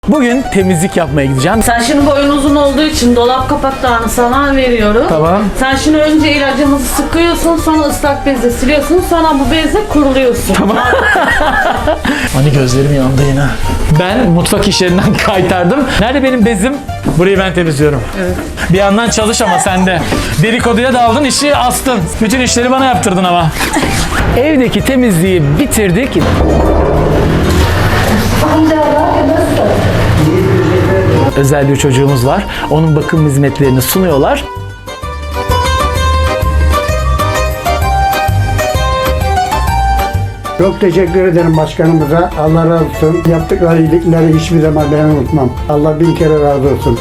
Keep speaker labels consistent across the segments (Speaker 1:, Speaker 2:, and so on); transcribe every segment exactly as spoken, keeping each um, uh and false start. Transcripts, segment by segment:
Speaker 1: Bugün temizlik yapmaya gideceğim.
Speaker 2: Sen şimdi boyun uzun olduğu için dolap kapaklarını sana veriyorum.
Speaker 1: Tamam.
Speaker 2: Sen şimdi önce ilacımızı sıkıyorsun, sonra ıslak bezle siliyorsun, sonra bu bezle kuruluyorsun.
Speaker 1: Tamam. Hani gözlerim yandı yine. Ben mutfak işlerinden kaytardım. Nerede benim bezim? Burayı ben temizliyorum.
Speaker 2: Evet.
Speaker 1: Bir yandan çalış ama sen de. Dedikoduya daldın, işi astın. Bütün işleri bana yaptırdın ama. Evdeki temizliği bitirdik. Özel bir çocuğumuz var. Onun bakım hizmetlerini sunuyorlar.
Speaker 3: Çok teşekkür ederim başkanımıza. Allah razı olsun. Yaptıkları iyilikleri hiçbir zaman ben unutmam. Allah bin kere razı olsun.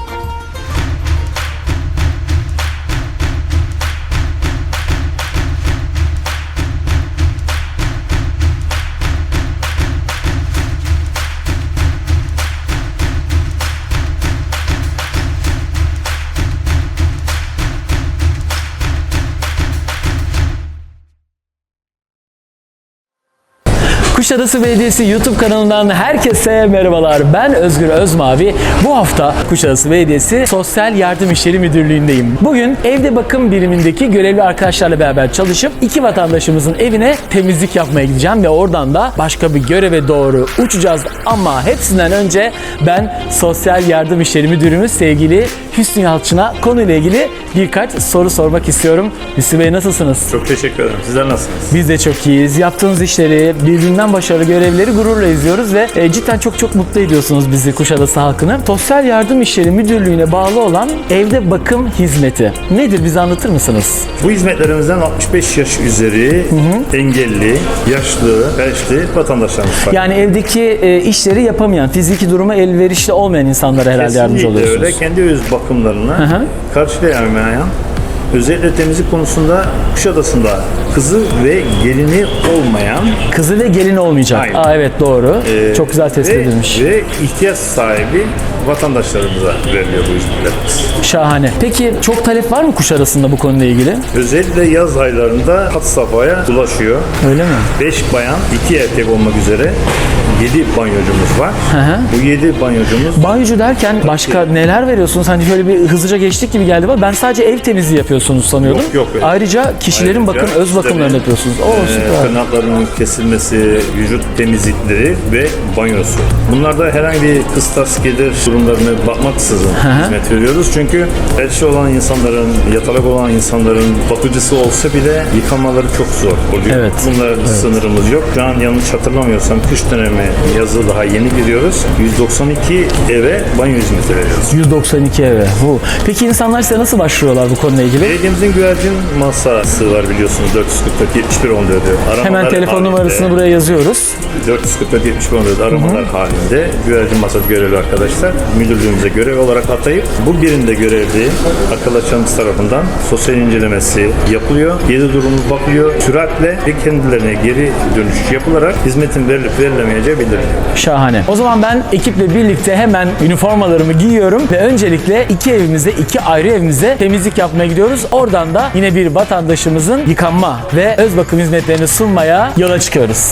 Speaker 1: Kuşadası Belediyesi YouTube kanalından herkese merhabalar. Ben Özgür Özmavi. Bu hafta Kuşadası Belediyesi Sosyal Yardım İşleri Müdürlüğü'ndeyim. Bugün evde bakım birimindeki görevli arkadaşlarla beraber çalışıp iki vatandaşımızın evine temizlik yapmaya gideceğim ve oradan da başka bir göreve doğru uçacağız. Ama hepsinden önce ben Sosyal Yardım İşleri Müdürümüz sevgili Hüsnü Yalçın'a konuyla ilgili birkaç soru sormak istiyorum. Hüsnü Bey, nasılsınız?
Speaker 4: Çok teşekkür ederim. Sizler nasılsınız?
Speaker 1: Biz de çok iyiyiz. Yaptığınız işleri, birbirinden başarılı görevleri gururla izliyoruz ve e, cidden çok çok mutlu ediyorsunuz bizi, Kuşadası halkını. Sosyal Yardım İşleri Müdürlüğü'ne bağlı olan evde bakım hizmeti nedir? Bize anlatır mısınız?
Speaker 4: Bu hizmetlerimizden altmış beş yaş üzeri engelli, yaşlı, felçli vatandaşlarımız var.
Speaker 1: Yani evdeki e, işleri yapamayan, fiziki duruma elverişli olmayan insanlara herhalde yardımcı
Speaker 4: Kesinlikle
Speaker 1: oluyorsunuz.
Speaker 4: öyle. Kendi öz bakımlarını
Speaker 1: hı.
Speaker 4: karşılayamayan, özellikle temizlik konusunda Kuşadası'nda kızı ve gelini olmayan
Speaker 1: Kızı ve gelin olmayacak.
Speaker 4: Aynen.
Speaker 1: Aa, evet, doğru.
Speaker 4: e,
Speaker 1: Çok güzel tespit
Speaker 4: ve,
Speaker 1: edilmiş.
Speaker 4: ve ihtiyaç sahibi vatandaşlarımıza veriliyor bu hizmetlerimiz.
Speaker 1: Şahane. Peki çok talep var mı Kuşadası'nda bu konuyla ilgili?
Speaker 4: Özellikle yaz aylarında had safhaya ulaşıyor.
Speaker 1: Öyle mi?
Speaker 4: beş bayan, iki erkek olmak üzere yedi banyocumuz var.
Speaker 1: Hı hı.
Speaker 4: Bu yedi banyocumuz
Speaker 1: Banyocu derken başka neler veriyorsunuz? Hani şöyle bir hızlıca geçtik gibi geldi ama ben sadece ev temizliği yapıyorsunuz sanıyordum.
Speaker 4: Yok, yok, öyle.
Speaker 1: Ayrıca kişilerin
Speaker 4: Ayrıca
Speaker 1: bakım, öz
Speaker 4: işte
Speaker 1: bakımlarını
Speaker 4: bir,
Speaker 1: yapıyorsunuz. Oo,
Speaker 4: e,
Speaker 1: süper.
Speaker 4: tırnaklarının kesilmesi, vücut temizlikleri ve banyosu. Bunlarda herhangi bir kıstas gelir durumlarına bakmaksızın hizmet veriyoruz. Çünkü felçli olan insanların, yatalak olan insanların bakıcısı olsa bile yıkamaları çok zor oluyor.
Speaker 1: Evet.
Speaker 4: Bunlar
Speaker 1: Evet.
Speaker 4: sınırımız yok. Şu an yanlış hatırlamıyorsam kış dönemi, yazı daha yeni giriyoruz. yüz doksan iki eve banyo hizmeti veriyoruz.
Speaker 1: yüz doksan iki eve. Bu. Peki insanlar size nasıl başvuruyorlar bu konuyla ilgili?
Speaker 4: Belediyemizin güvercin masası var biliyorsunuz. dört yüz kırk dört yetmiş bir on dört.
Speaker 1: Hemen telefon numarasını buraya yazıyoruz.
Speaker 4: dört yüz kırk dört yetmiş bir on dört aramalar halinde güvercin masası görevli arkadaşlar müdürlüğümüze görev olarak atayıp bu birinde görevli arkadaşlarımız tarafından sosyal incelemesi yapılıyor. Geri durumu bakılıyor. Süratle ve kendilerine geri dönüş yapılarak hizmetin verilip verilemeyeceği bildiriliyor.
Speaker 1: Şahane. O zaman ben ekiple birlikte hemen üniformalarımı giyiyorum ve öncelikle iki evimize, iki ayrı evimize temizlik yapmaya gidiyoruz. Oradan da yine bir vatandaşımızın yıkanma ve öz bakım hizmetlerini sunmaya yola çıkıyoruz.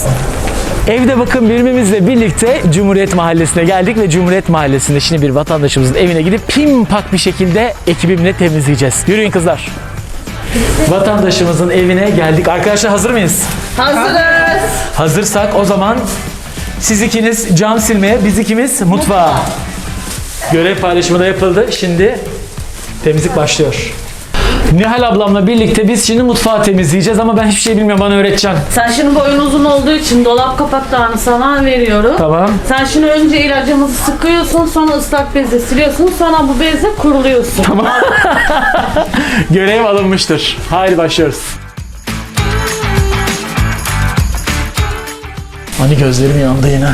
Speaker 1: Evde bakım birimimizle birlikte Cumhuriyet Mahallesi'ne geldik ve Cumhuriyet Mahallesi'nde şimdi bir vatandaşımızın evine gidip pimpak bir şekilde ekibimle temizleyeceğiz. Yürüyün kızlar. Vatandaşımızın evine geldik. Arkadaşlar, hazır mıyız?
Speaker 2: Hazırız.
Speaker 1: Hazırsak o zaman siz ikiniz cam silmeye, biz ikimiz mutfağa. Görev paylaşımı da yapıldı. Şimdi temizlik başlıyor. Nihal ablamla birlikte biz şimdi mutfağı temizleyeceğiz ama ben hiçbir şey bilmiyorum, bana öğreteceksin.
Speaker 2: Sen şimdi boyun uzun olduğu için dolap kapaklarını sana veriyorum.
Speaker 1: Tamam.
Speaker 2: Sen şimdi önce ilacımızı sıkıyorsun, sonra ıslak bezle siliyorsun, sonra bu bezle kuruluyorsun.
Speaker 1: Tamam. Görev alınmıştır. Haydi başlıyoruz. Hani gözlerim yandı yine.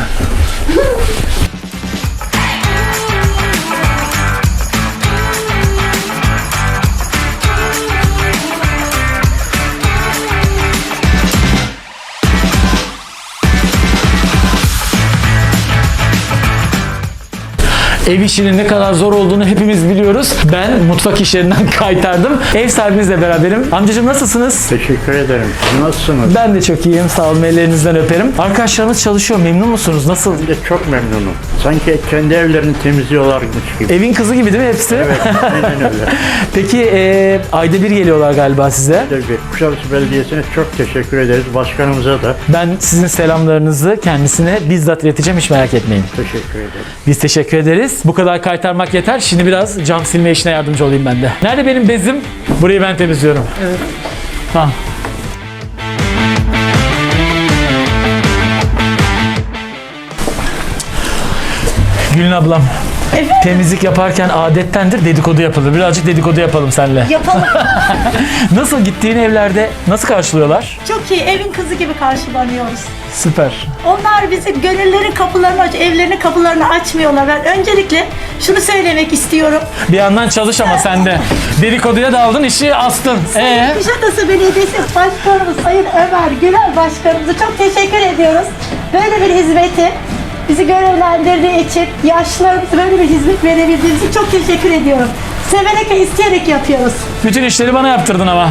Speaker 1: Ev işinin ne kadar zor olduğunu hepimiz biliyoruz. Ben mutfak işlerinden kaytardım. Ev sahibinizle beraberim. Amcacığım nasılsınız?
Speaker 5: Teşekkür ederim. Siz nasılsınız?
Speaker 1: Ben de çok iyiyim. Sağ olun. Ellerinizden öperim. Arkadaşlarımız çalışıyor. Memnun musunuz? Nasıl?
Speaker 5: Ben de çok memnunum. Sanki kendi evlerini temizliyorlarmış gibi.
Speaker 1: Evin kızı gibi değil mi hepsi?
Speaker 5: Evet, aynen öyle.
Speaker 1: Peki e, ayda bir geliyorlar galiba size.
Speaker 5: Tabii, Kuşadası Belediyesi'ne çok teşekkür ederiz. Başkanımıza da
Speaker 1: Ben sizin selamlarınızı kendisine bizzat ileteceğim. Hiç merak etmeyin.
Speaker 5: teşekkür ederim.
Speaker 1: Biz teşekkür ederiz. Bu kadar kaytarmak yeter. Şimdi biraz cam silme işine yardımcı olayım ben de. Nerede benim bezim? Burayı ben temizliyorum. Evet. Tamam. Gülün ablam. Temizlik yaparken adettendir dedikodu yapılır. Birazcık dedikodu yapalım seninle.
Speaker 6: Yapalım.
Speaker 1: Nasıl gittiğin evlerde nasıl karşılıyorlar?
Speaker 6: Çok iyi. Evin kızı gibi karşılanıyoruz.
Speaker 1: Süper.
Speaker 6: Onlar bizi gönüllerin kapılarını aç, evlerinin kapılarını açmıyorlar. Ben öncelikle şunu söylemek istiyorum.
Speaker 1: Bir yandan çalış ama sen de. Dedikoduya daldın, işi astın. Ee?
Speaker 6: Kuşadası Belediyesi Başkanımız Sayın Ömer Gürel Başkanımıza çok teşekkür ediyoruz. Böyle bir hizmeti bizi görevlendirdiği için, yaşlılarımıza böyle bir hizmet verebildiğiniz için çok teşekkür ediyorum. Severek ve isteyerek yapıyoruz.
Speaker 1: Bütün işleri bana yaptırdın ama.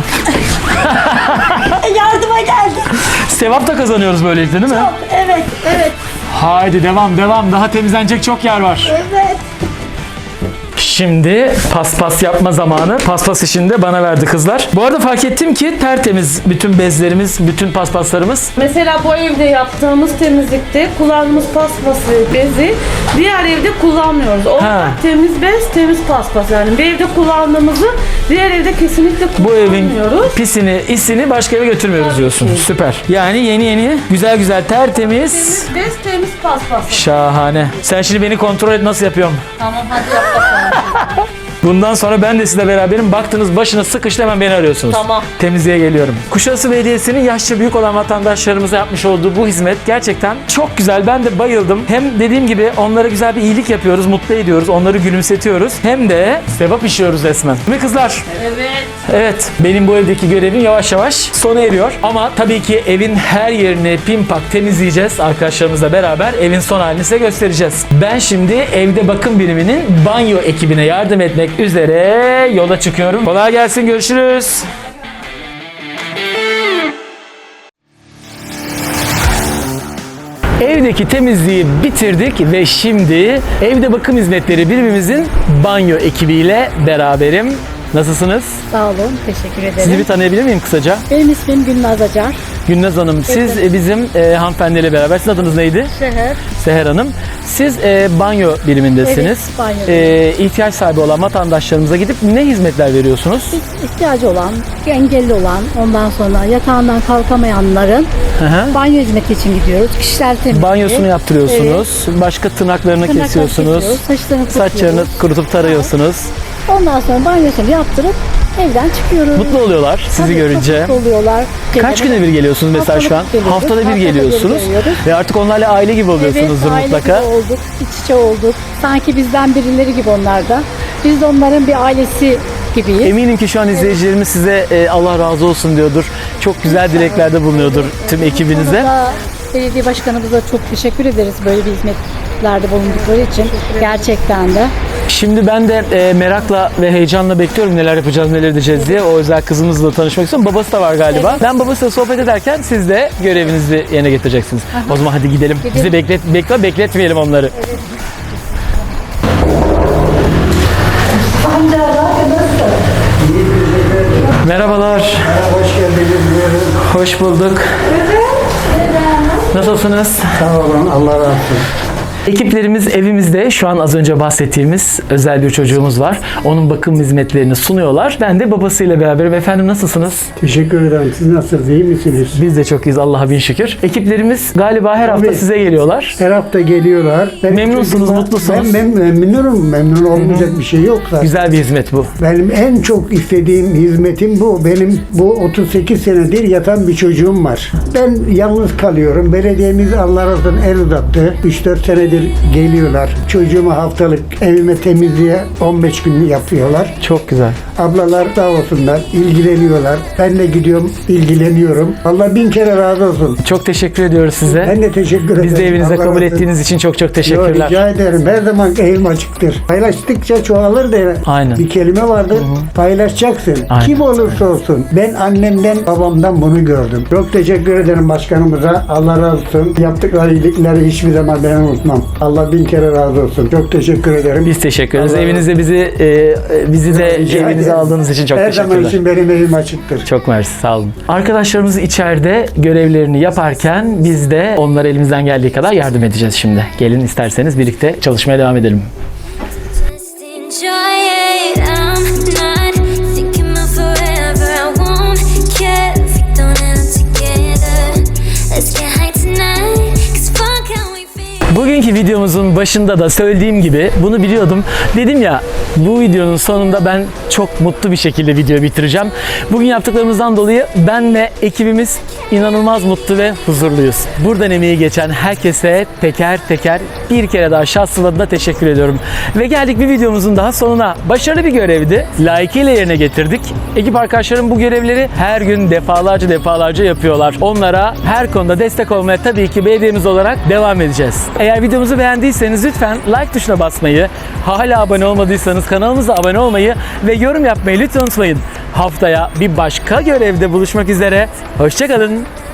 Speaker 6: Yardıma geldik.
Speaker 1: Sevap da kazanıyoruz böylelikle değil mi?
Speaker 6: Çok, evet, evet,
Speaker 1: Haydi devam devam. Daha temizlenecek çok yer var.
Speaker 6: evet.
Speaker 1: Şimdi paspas yapma zamanı. Paspas işini de bana verdi kızlar. Bu arada fark ettim ki tertemiz bütün bezlerimiz, bütün paspaslarımız.
Speaker 2: Mesela bu evde yaptığımız temizlikte kullandığımız paspası, bezi diğer evde kullanmıyoruz. O
Speaker 1: Ha.
Speaker 2: temiz bez, temiz paspas. Yani bir evde kullandığımızı diğer evde kesinlikle
Speaker 1: Bu evin
Speaker 2: kullanmıyoruz.
Speaker 1: pisini, isini başka eve götürmüyoruz
Speaker 2: Tabii
Speaker 1: diyorsun.
Speaker 2: ki.
Speaker 1: Süper. Yani yeni yeni, güzel güzel tertemiz.
Speaker 2: Temiz bez, temiz paspas.
Speaker 1: Şahane. Sen şimdi beni kontrol et nasıl yapıyorum.
Speaker 2: Tamam hadi yap bakalım.
Speaker 1: Bundan sonra ben de sizle beraberim. Baktınız başına sıkıştı hemen beni arıyorsunuz.
Speaker 2: Tamam.
Speaker 1: Temizliğe geliyorum. Kuşadası Belediyesi'nin yaşça büyük olan vatandaşlarımıza yapmış olduğu bu hizmet gerçekten çok güzel. Ben de bayıldım. Hem dediğim gibi onlara güzel bir iyilik yapıyoruz, mutlu ediyoruz, onları gülümsetiyoruz. Hem de sevap işliyoruz resmen. Değil mi kızlar?
Speaker 2: Evet.
Speaker 1: Evet, benim bu evdeki görevim yavaş yavaş sona eriyor. Ama tabii ki evin her yerini pimpak temizleyeceğiz. Arkadaşlarımızla beraber evin son halini size göstereceğiz. Ben şimdi evde bakım biriminin banyo ekibine yardım etmek üzere yola çıkıyorum. Kolay gelsin, görüşürüz. Evdeki temizliği bitirdik ve şimdi evde bakım hizmetleri birimimizin banyo ekibiyle beraberim. Nasılsınız?
Speaker 7: Sağ olun, teşekkür ederim.
Speaker 1: Sizi bir tanıyabilir miyim kısaca?
Speaker 7: Benim ismim Gülnaz Acar.
Speaker 1: Günnaz Hanım, siz e, bizim e, hanımefendiyle beraber, sizin adınız neydi?
Speaker 7: Şehir.
Speaker 1: Seher Hanım. Siz e, banyo birimindesiniz.
Speaker 7: Evet, banyo
Speaker 1: E, ihtiyaç sahibi olan vatandaşlarımıza gidip ne hizmetler veriyorsunuz?
Speaker 7: İhtiyacı olan, engelli olan, ondan sonra yatağından kalkamayanların
Speaker 1: Hı hı.
Speaker 7: banyo hizmeti için gidiyoruz. Kişisel temizliği.
Speaker 1: Banyosunu yaptırıyorsunuz. Başka tırnaklarını
Speaker 7: Tırnaklarını
Speaker 1: kesiyorsunuz.
Speaker 7: kesiyoruz, saçlarını
Speaker 1: Saçlarını
Speaker 7: kurutuyoruz.
Speaker 1: kurutup tarıyorsunuz.
Speaker 7: Ondan sonra banyosunu yaptırıp evden çıkıyoruz.
Speaker 1: Mutlu oluyorlar sizi
Speaker 7: Tabii,
Speaker 1: görünce.
Speaker 7: Çok mutlu oluyorlar.
Speaker 1: Kaç güne bir geliyorsunuz mesela şu an?
Speaker 7: Haftalık geliyoruz.
Speaker 1: Haftada bir
Speaker 7: Haftada bir
Speaker 1: geliyorsunuz.
Speaker 7: geliyoruz.
Speaker 1: Ve artık onlarla aile gibi oluyorsunuzdur
Speaker 7: Evet, aile
Speaker 1: mutlaka.
Speaker 7: gibi olduk, iç içe olduk. Sanki bizden birileri gibi onlar da. Biz de onların bir ailesi gibiyiz.
Speaker 1: Eminim ki şu an izleyicilerimiz size e, Allah razı olsun diyordur. Çok güzel dileklerde bulunuyordur tüm ekibinize.
Speaker 7: Burada belediye başkanımıza çok teşekkür ederiz böyle bir hizmetlerde bulundukları için. Gerçekten de.
Speaker 1: Şimdi ben de e, merakla ve heyecanla bekliyorum neler yapacağız, neler edeceğiz diye. O özel kızımızla tanışmak istiyorum. Babası da var galiba. Ben babasıyla sohbet ederken siz de görevinizi yerine getireceksiniz. O zaman hadi gidelim. Bizi beklet, bekle, bekletmeyelim onları. Merhabalar.
Speaker 3: Hoş geldiniz. Buyurun.
Speaker 1: Hoş bulduk. Nasılsınız?
Speaker 3: Sağ olun. Allah razı olsun.
Speaker 1: Ekiplerimiz evimizde. Şu an az önce bahsettiğimiz özel bir çocuğumuz var. Onun bakım hizmetlerini sunuyorlar. Ben de babasıyla beraberim. Efendim nasılsınız?
Speaker 3: Teşekkür ederim. Siz nasılsınız? İyi misiniz?
Speaker 1: Biz de çok iyiyiz Allah'a bin şükür. Ekiplerimiz galiba her hafta
Speaker 3: Tabii.
Speaker 1: size geliyorlar.
Speaker 3: Her hafta geliyorlar. Benim
Speaker 1: Memnunsunuz,
Speaker 3: çocuğuma-
Speaker 1: mutlusunuz.
Speaker 3: Ben, ben memnunum. Memnun olmayacak bir şey yok zaten.
Speaker 1: Güzel bir hizmet bu.
Speaker 3: Benim en çok istediğim hizmetim bu. Benim bu otuz sekiz senedir yatan bir çocuğum var. Ben yalnız kalıyorum. Belediyemiz Allah razı olsun el uzattı. üç dört senedir senedir geliyorlar. Çocuğumu haftalık evime temizliğe on beş gün yapıyorlar.
Speaker 1: Çok güzel.
Speaker 3: Ablalar sağ olsunlar, ilgileniyorlar. Ben de gidiyorum, ilgileniyorum. Allah bin kere razı olsun.
Speaker 1: Çok teşekkür ediyoruz size.
Speaker 3: Ben de teşekkür ederim.
Speaker 1: Biz de evinize
Speaker 3: Allah
Speaker 1: kabul
Speaker 3: razı
Speaker 1: ettiğiniz için çok çok
Speaker 3: Yo,
Speaker 1: teşekkürler.
Speaker 3: rica ederim. Her zaman elim açıktır. Paylaştıkça çoğalır da
Speaker 1: Aynen.
Speaker 3: bir kelime vardır. Paylaşacaksın.
Speaker 1: Aynen.
Speaker 3: Kim olursa olsun. Ben annemden, babamdan bunu gördüm. Çok teşekkür ederim başkanımıza. Allah razı olsun. Yaptıkları iyilikleri hiçbir zaman ben unutmam. Allah bin kere razı olsun. Çok teşekkür ederim.
Speaker 1: Biz teşekkür ederiz.
Speaker 3: Allah-
Speaker 1: Evinizde bizi e, e, bizi de
Speaker 3: Rica
Speaker 1: evinize
Speaker 3: ederim.
Speaker 1: aldığınız için çok
Speaker 3: Her zaman
Speaker 1: teşekkürler.
Speaker 3: için benim evim açıktır.
Speaker 1: Çok mersi, sağ olun. Arkadaşlarımız içeride görevlerini yaparken biz de onlara elimizden geldiği kadar yardım edeceğiz şimdi. Gelin isterseniz birlikte çalışmaya devam edelim.
Speaker 8: Just enjoy it. I'm not thinking about forever. I won't care if we don't end up together. Let's get high tonight. 'Cause fuck how we feel.
Speaker 1: Bugünkü videomuzun başında da söylediğim gibi bunu biliyordum. Dedim ya, bu videonun sonunda ben çok mutlu bir şekilde video bitireceğim. Bugün yaptıklarımızdan dolayı ben ve ekibimiz inanılmaz mutlu ve huzurluyuz. Buradan emeği geçen herkese teker teker bir kere daha şahsım adına teşekkür ediyorum. Ve geldik bir videomuzun daha sonuna. Başarılı bir görevdi. Layıkıyla yerine getirdik. Ekip arkadaşlarım bu görevleri her gün defalarca defalarca yapıyorlar. Onlara her konuda destek olmaya tabii ki belediyemiz olarak devam edeceğiz. Eğer videomuzu beğendiyseniz lütfen like tuşuna basmayı, hala abone olmadıysanız kanalımıza abone olmayı ve yorum yapmayı lütfen unutmayın. Haftaya bir başka görevde buluşmak üzere. Hoşça kalın.